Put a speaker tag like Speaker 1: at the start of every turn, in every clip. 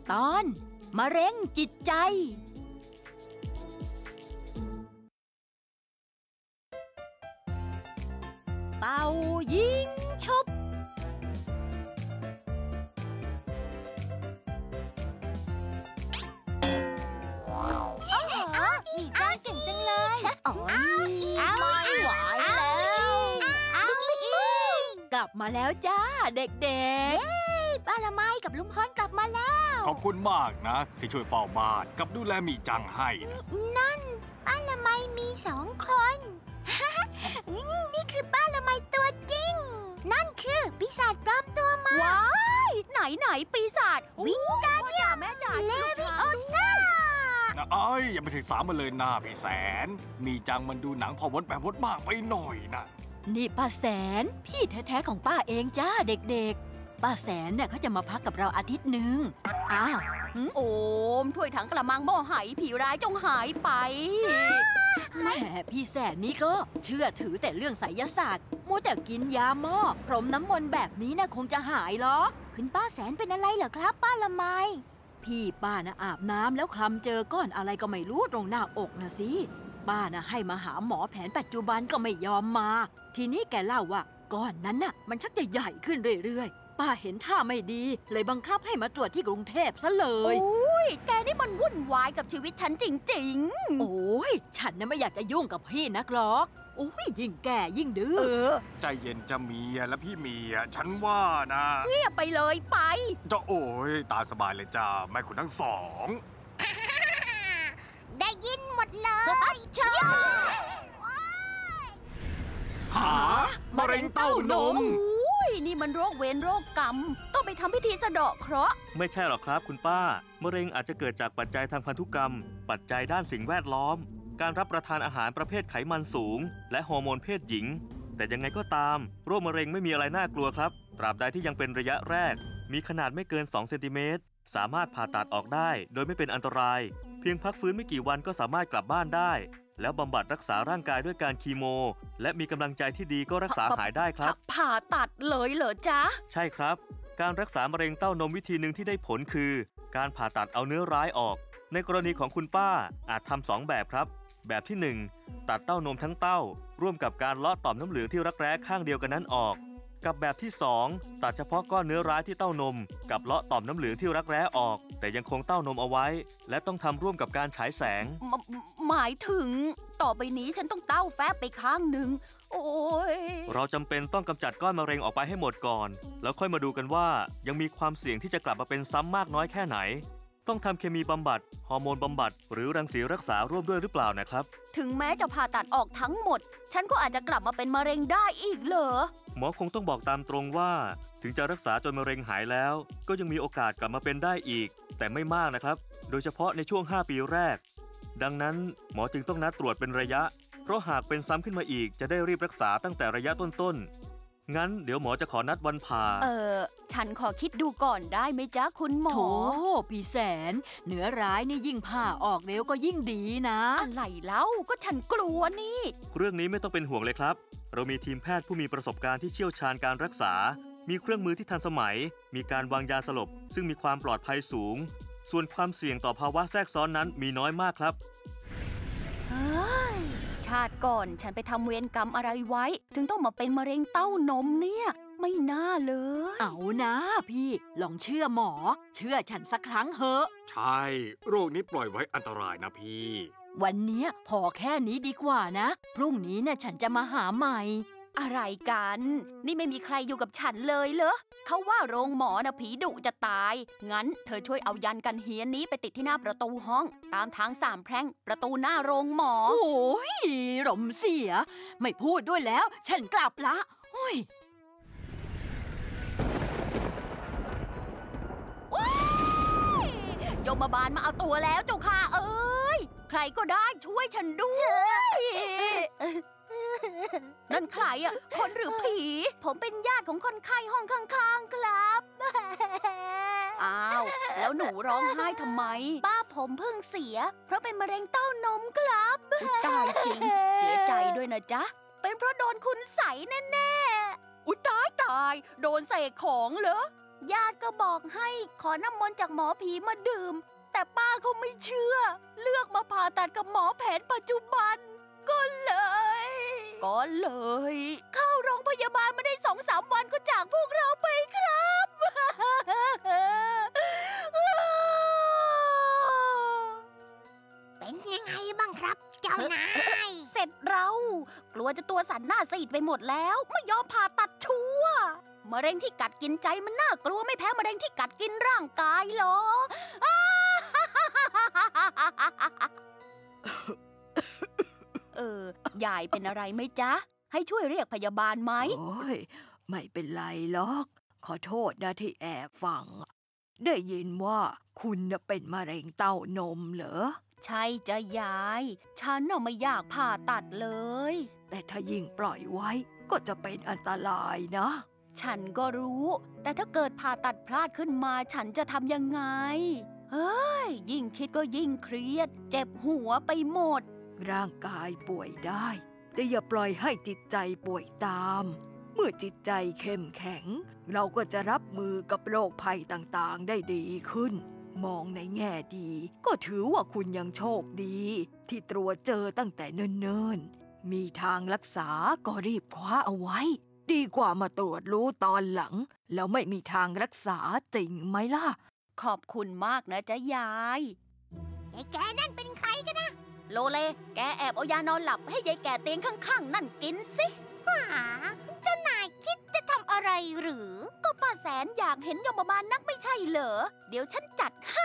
Speaker 1: ตอนมะเร็งจิตใจเป่ายิงฉุบ
Speaker 2: อีจ้าเก่งจังเลย
Speaker 1: ไม่ไหวแล้วกลับมาแล้วจ้าเด็กๆ
Speaker 2: ป้าละไมกับลุงพลกลับมาแล้ว
Speaker 3: ขอบคุณมากนะที่ช่วยเฝ้าบ้านกับดูแลมีจังให้
Speaker 2: นั่นป้าละไมมี2 คนนี่คือป้าละไมตัวจริงนั่นคือปีศาจปลอมตัวมา
Speaker 1: ว้ายไหนปีศาจ
Speaker 2: วิงการเดียนเลวิโอซ่า
Speaker 3: อย่าไปศึกษามันเลยนะพี่แสนมีจังมันดูหนังพอวดแบบวดมากไปหน่อยนะ
Speaker 1: นี่ป้าแสนพี่แท้ๆของป้าเองจ้าเด็กๆป้าแสนเนี่ยเขาจะมาพักกับเราอาทิตย์นึงอ้าวโอมถ้วยถังกระมังหม้อไหผีร้ายจงหายไปแหมพี่แสนนี่ก็เชื่อถือแต่เรื่องไสยศาสตร์มัวแต่กินยาหม้อพรมน้ำมนต์แบบนี้นะคงจะหายหรอก
Speaker 2: คุณป้าแสนเป็นอะไรเหรอครับป้าละไม
Speaker 1: พี่ป้านะอาบน้ำแล้วคลำเจอก้อนอะไรก็ไม่รู้ตรงหน้าอกนะสิป้านะให้มาหาหมอแผนปัจจุบันก็ไม่ยอมมาทีนี้แกเล่าว่าก้อนนั้นน่ะมันชักจะใหญ่ขึ้นเรื่อยๆป้าเห็นท่าไม่ดีเลยบังคับให้มาตรวจที่กรุงเทพซะเลย
Speaker 2: โอ้ยแกนี่มันวุ่นวายกับชีวิตฉันจริง
Speaker 1: ๆโอ้ยฉันน่ะไม่อยากจะยุ่งกับพี่นักหรอกโอ้ยยิ่งแก่ยิ่งดื้อ
Speaker 3: ใจเย็นจะเมียและพี่เมียฉันว่านะ
Speaker 1: เงียบไปเลยไป
Speaker 3: จะโอ้ยตาสบายเลยจ้าแม่คุณทั้งสอง
Speaker 2: ได้ยินหมดเลยเชิญ
Speaker 3: หามะเร็งเต้านม
Speaker 1: นี่มันโรคเวรโรคกรรมต้องไปทำพิธีสะเดาะเคราะห์
Speaker 4: ไม่ใช่หรอกครับคุณป้ามะเร็งอาจจะเกิดจากปัจจัยทางพันธุกรรมปัจจัยด้านสิ่งแวดล้อมการรับประทานอาหารประเภทไขมันสูงและฮอร์โมนเพศหญิงแต่ยังไงก็ตามโรคมะเร็งไม่มีอะไรน่ากลัวครับตราบใดที่ยังเป็นระยะแรกมีขนาดไม่เกิน2 เซนติเมตรสามารถผ่าตัดออกได้โดยไม่เป็นอันตรายเพียงพักฟื้นไม่กี่วันก็สามารถกลับบ้านได้แล้วบำบัดรักษาร่างกายด้วยการคีโมและมีกำลังใจที่ดีก็รักษาหายได้ครับ
Speaker 1: ผ่าตัดเลยเหรอจ๊ะ
Speaker 4: ใช่ครับการรักษามะเร็งเต้านมวิธีหนึ่งที่ได้ผลคือการผ่าตัดเอาเนื้อร้ายออกในกรณีของคุณป้าอาจทำ2 แบบครับแบบที่1ตัดเต้านมทั้งเต้าร่วมกับการเลาะต่อมน้ำเหลืองที่รักแร้ข้างเดียวกันนั้นออกกับแบบที่2ตัดเฉพาะก้อนเนื้อร้ายที่เต้านมกับเลาะต่อมน้ำเหลืองที่รักแร้ออกแต่ยังคงเต้านมเอาไว้และต้องทำร่วมกับการฉายแสง
Speaker 1: หมายถึงต่อไปนี้ฉันต้องเต้าแฟบไปข้างหนึ่งโอ้ย
Speaker 4: เราจำเป็นต้องกำจัดก้อนมะเร็งออกไปให้หมดก่อนแล้วค่อยมาดูกันว่ายังมีความเสี่ยงที่จะกลับมาเป็นซ้ำมากน้อยแค่ไหนต้องทำเคมีบำบัดฮอร์โมนบำบัดหรือรังสีรักษาร่วมด้วยหรือเปล่านะครับ
Speaker 1: ถึงแม้จะผ่าตัดออกทั้งหมดฉันก็อาจจะกลับมาเป็นมะเร็งได้อีกเหรอ
Speaker 4: หมอคงต้องบอกตามตรงว่าถึงจะรักษาจนมะเร็งหายแล้วก็ยังมีโอกาสกลับมาเป็นได้อีกแต่ไม่มากนะครับโดยเฉพาะในช่วง5 ปีแรกดังนั้นหมอจึงต้องนัดตรวจเป็นระยะเพราะหากเป็นซ้ำขึ้นมาอีกจะได้รีบรักษาตั้งแต่ระยะต้นๆงั้นเดี๋ยวหมอจะขอนัดวันผ่า
Speaker 1: ฉันขอคิดดูก่อนได้ไหมจ๊ะคุณหมอโถพี่แสนเนื้อร้ายนี่ยิ่งผ่าออกเร็วก็ยิ่งดีนะอะไรเล่าก็ฉันกลัวนี่
Speaker 4: เรื่องนี้ไม่ต้องเป็นห่วงเลยครับเรามีทีมแพทย์ผู้มีประสบการณ์ที่เชี่ยวชาญการรักษามีเครื่องมือที่ทันสมัยมีการวางยาสลบซึ่งมีความปลอดภัยสูงส่วนความเสี่ยงต่อภาวะแทรกซ้อนนั้นมีน้อยมากครับ
Speaker 1: ชาติก่อนฉันไปทำเวรกรรมอะไรไว้ถึงต้องมาเป็นมะเร็งเต้านมเนี่ยไม่น่าเลยเอานะพี่ลองเชื่อหมอเชื่อฉันสักครั้งเหอะ
Speaker 3: ใช่โรคนี้ปล่อยไว้อันตรายนะพี่
Speaker 1: วันนี้พอแค่นี้ดีกว่านะพรุ่งนี้น่ะฉันจะมาหาใหม่อะไรกันนี่ไม่มีใครอยู่กับฉันเลยเหรอเขาว่าโรงหมอนะผีดุจะตายงั้นเธอช่วยเอายันกันเฮียนนี้ไปติดที่หน้าประตูห้องตามทาง3 แพร่งประตูหน้าโรงหมอโอ้ยรมเสียไม่พูดด้วยแล้วฉันกลับละโอ้ยยมบาลมาเอาตัวแล้วเจ้าค่ะเอ้ยใครก็ได้ช่วยฉันด้วยนั่นใครอ่ะคนหรือผีผมเป็นญาติของคนไข้ห้องข้างๆครับอ้าวแล้วหนูร้องไห้ทำไมป้าผมเพิ่งเสียเพราะเป็นมะเร็งเต้านมครับตายจริงเสียใจด้วยนะจ๊ะเป็นเพราะโดนคุณใส่แน่ๆอุ๊ยตายโดนเสกของเหรอญาติก็บอกให้ขอน้ำมนต์จากหมอผีมาดื่ม แต่ป้าเขาไม่เชื่อ เลือกมาผ่าตัดกับหมอแผนปัจจุบัน ก็เลย เข้าโรงพยาบาลมาได้2-3 วันก็จากพวกเราไปครับ
Speaker 2: เป็นยังไงบ้างครับเจ้านาย
Speaker 1: เสร็จเรากลัวจะตัวสั่นหน้าซีดไปหมดแล้วไม่ยอมผ่าตัดชัวร์มะเร็งที่กัดกินใจมันน่ากลัวไม่แพ้มะเร็งที่กัดกินร่างกายหรอก ยายเป็นอะไรไหมจ๊ะให้ช่วยเรียกพยาบาลไหม
Speaker 5: โอ้ยไม่เป็นไรหรอก ขอโทษนะที่แอบฟัง ได้ยินว่าคุณน่ะเป็นมะเร็งเต้านมเหรอ
Speaker 1: ใช่จ้ะยาย ฉันน่ะไม่อยากผ่าตัดเลย
Speaker 5: แต่ถ้ายิ่งปล่อยไว้ก็จะเป็นอันตรายนะ
Speaker 1: ฉันก็รู้ แต่ถ้าเกิดผ่าตัดพลาดขึ้นมาฉันจะทำยังไง เฮ้ย ยิ่งคิดก็ยิ่งเครียด เจ็บหัวไปหมด
Speaker 5: ร่างกายป่วยได้ แต่อย่าปล่อยให้จิตใจป่วยตาม เมื่อจิตใจเข้มแข็ง เราก็จะรับมือกับโรคภัยต่างๆได้ดีขึ้น มองในแง่ดี ก็ถือว่าคุณยังโชคดี ที่ตรวจเจอตั้งแต่เนิ่นๆ มีทางรักษาก็รีบคว้าเอาไว้ ดีกว่ามาตรวจรู้ตอนหลัง แล้วไม่มีทางรักษาจริงไหมล่ะ
Speaker 1: ขอบคุณมากนะจ๊ะยาย
Speaker 2: ไอ้แกนั่นเป็นใครกันนะ
Speaker 1: โลเล แกแอบเอายานอนหลับให้ยายแก่เตียงข้างๆนั่นกินสิ
Speaker 2: หาเจ้านายคิดจะทำอะไรหรือ
Speaker 1: ก็ป้าแสนอยากเห็นยมบาลนักไม่ใช่เหรอ เดี๋ยวฉันจัดให้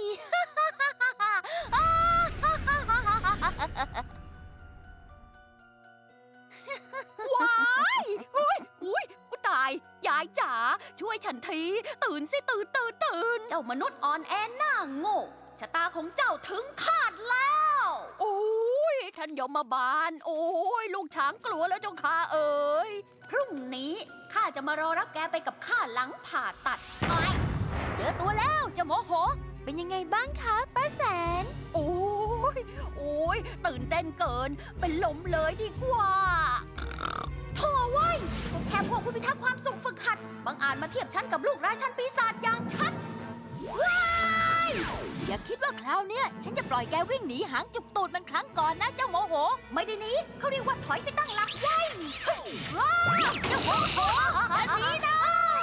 Speaker 1: ว้ายอุ้ยตาย ยายจ๋า ช่วยฉันที ตื่นสิตื่น เจ้ามนุษย์อ่อนแอหน้าโง่ชะตาของเจ้าถึงคาดแล้ว โอ้ยท่านยมบาล โอ้ยลูกช้างกลัวแล้วเจ้าข้าเอ๋ย พรุ่งนี้ข้าจะมารอรับแกไปกับข้าหลังผ่าตัดเจอตัวแล้วเจ้าโมโห
Speaker 2: เป็นยังไงบ้างคะป้าแสน
Speaker 1: โอ้ยตื่นเต้นเกิน เป็นลมเลยดีกว่าโถ่เว้ยแค่พวกผู้พิทักษ์ความสุขฝึกหัดบางอาจมาเทียบฉันกับลูกราชันปีศาจอย่างฉันว้ายอย่าคิดว่าคราวเนี้ยฉันจะปล่อยแกวิ่งหนีหางจุกตูดมันครั้งก่อนนะเจ้าโมโห ไม่ได้หนีเขาเรียกว่าถอยไปตั้งหลักไว้ว้าวเจ้าโมโหอันนี้นะ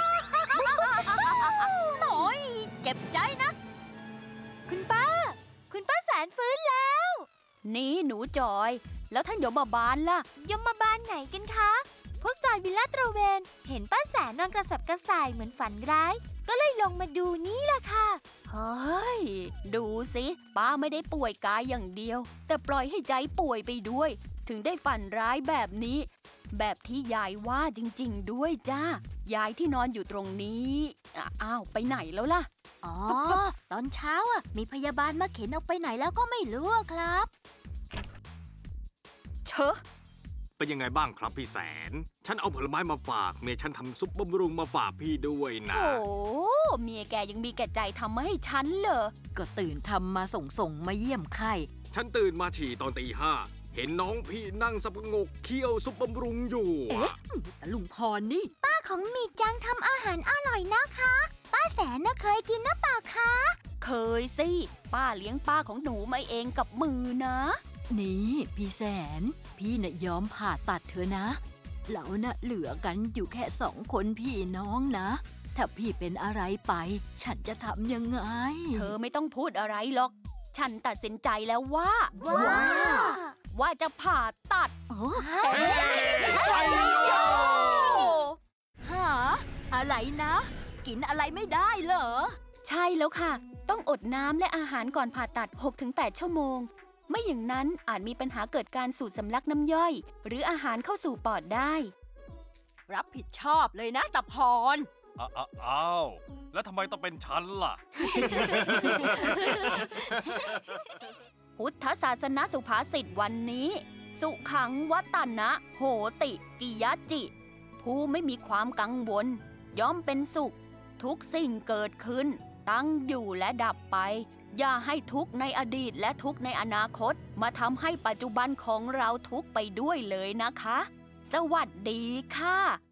Speaker 1: หน่อยเจ็บใจนะ
Speaker 2: คุณป้าแสนฟื้นแล้ว
Speaker 1: นี่หนูจอย แล้วท่านยมบาลล่ะ
Speaker 2: ยมบาลไหนกันคะ พวกจอยวิลล่าตระเวน เห็นป้าแสนนอนกระสับกระส่ายเหมือนฝันร้าย ก็เลยลงมาดูนี่ล่ะค่ะ
Speaker 1: เฮ้ย ดูสิป้าไม่ได้ป่วยกายอย่างเดียว แต่ปล่อยให้ใจป่วยไปด้วย ถึงได้ฝันร้ายแบบนี้ แบบที่ยายว่าจริงๆด้วยจ้ายายที่นอนอยู่ตรงนี้อ้าวไปไหนแล้วล่ะ
Speaker 2: อ๋อ ตอนเช้ามีพยาบาลมาเข็นออกไปไหนแล้วก็ไม่รู้ครับ
Speaker 1: เชอะ
Speaker 3: เป็นยังไงบ้างครับพี่แสน ฉันเอาผลไม้มาฝากเมียฉันทำซุปบำรุงมาฝากพี่ด้วยนะ
Speaker 1: โอ้เมียแกยังมีแก่ใจทำมาให้ฉันเหรอ
Speaker 5: ก็ตื่นทำมาส่งมาเยี่ยมไข้
Speaker 3: ฉันตื่นมาฉี่ตอนตี 5 เห็นน้องพี่นั่งสับประงกเคี่ยวซุปบำรุงอยู่อะ
Speaker 5: ลุงพรนี่
Speaker 2: ป้าของมีจังทำอาหารอร่อยนะคะ ป้าแสนน่ะเคยกินนะเปล่าคะ
Speaker 1: เคยสิ ป้าเลี้ยงป้าของหนูมาเองกับมือนะ
Speaker 5: นี่พี่แสน พี่น่ะยอมผ่าตัดเธอนะเราน่ะเหลือกันอยู่แค่2 คนพี่น้องนะ ถ้าพี่เป็นอะไรไป ฉันจะทำยังไง
Speaker 1: เธอไม่ต้องพูดอะไรหรอก ฉันตัดสินใจแล้วว่า ว่าจะผ่าตัด
Speaker 3: ใช่โย
Speaker 5: หาอะไรนะ กินอะไรไม่ได้เหรอ
Speaker 1: ใช่แล้วค่ะ ต้องอดน้ำและอาหารก่อนผ่าตัด 6-8 ชั่วโมง ไม่อย่างนั้นอาจมีปัญหาเกิดการสูดสำลักน้ำย่อย หรืออาหารเข้าสู่ปอดได้
Speaker 5: รับผิดชอบเลยนะตะพร
Speaker 3: อ้าว แล้วทำไมต้องเป็นฉันล่ะ
Speaker 1: พุทธศาสนสุภาษิตวันนี้ สุขังวัตนะโหติกิยจิ ผู้ไม่มีความกังวล ย่อมเป็นสุข ทุกสิ่งเกิดขึ้น ตั้งอยู่และดับไป อย่าให้ทุกข์ในอดีตและทุกข์ในอนาคต มาทำให้ปัจจุบันของเราทุกข์ไปด้วยเลยนะคะ สวัสดีค่ะ